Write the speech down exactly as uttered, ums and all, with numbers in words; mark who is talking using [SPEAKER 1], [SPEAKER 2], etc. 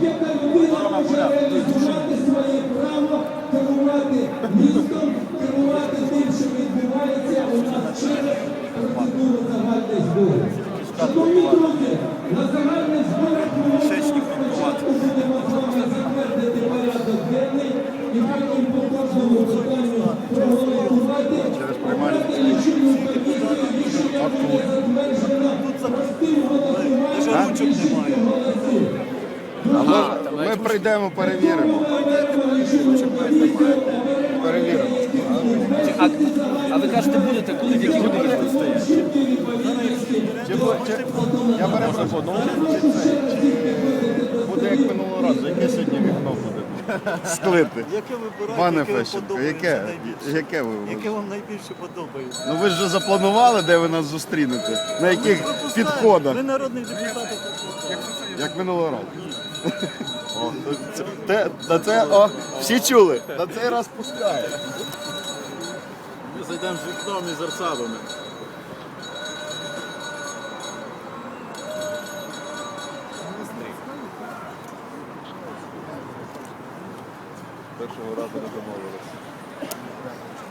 [SPEAKER 1] будь-яка людина може реалізувати своє право керувати містом, керувати тим, що відбувається у нас через процедуру загальних зборів. Шановні друзі, на загальних зборах ми спочатку будемо з вами затвердити порядок денний і потім по кожному питанню проголосувати. Обрати лічильну комісію, рішення буде затверджено простим голосуванням більшістю голосів.
[SPEAKER 2] Ми прийдемо, перевіримо. Перевіримо.
[SPEAKER 3] А, а ви кажете, будете, коли, в які години тут стоять?
[SPEAKER 2] Чи, чи, я перепрошую, ну, буде як минулого разу, яке сьогодні вікно буде? Склити.
[SPEAKER 4] Яке вибираєте,
[SPEAKER 2] Пане
[SPEAKER 4] яке вам
[SPEAKER 2] Фещенко,
[SPEAKER 4] подобається
[SPEAKER 2] яке?
[SPEAKER 4] найбільше?
[SPEAKER 2] Яке ви?
[SPEAKER 4] Яке вам найбільше подобається?
[SPEAKER 2] Ну ви ж вже запланували, де ви нас зустрінете? На яких підходах?
[SPEAKER 4] Ви народний депутат.
[SPEAKER 2] Як минулого разу. О, це, те, на це, о, всі чули? На цей раз пускає.
[SPEAKER 4] Ми зайдемо з вікном і з арсадами.
[SPEAKER 2] Першого разу не домовилися.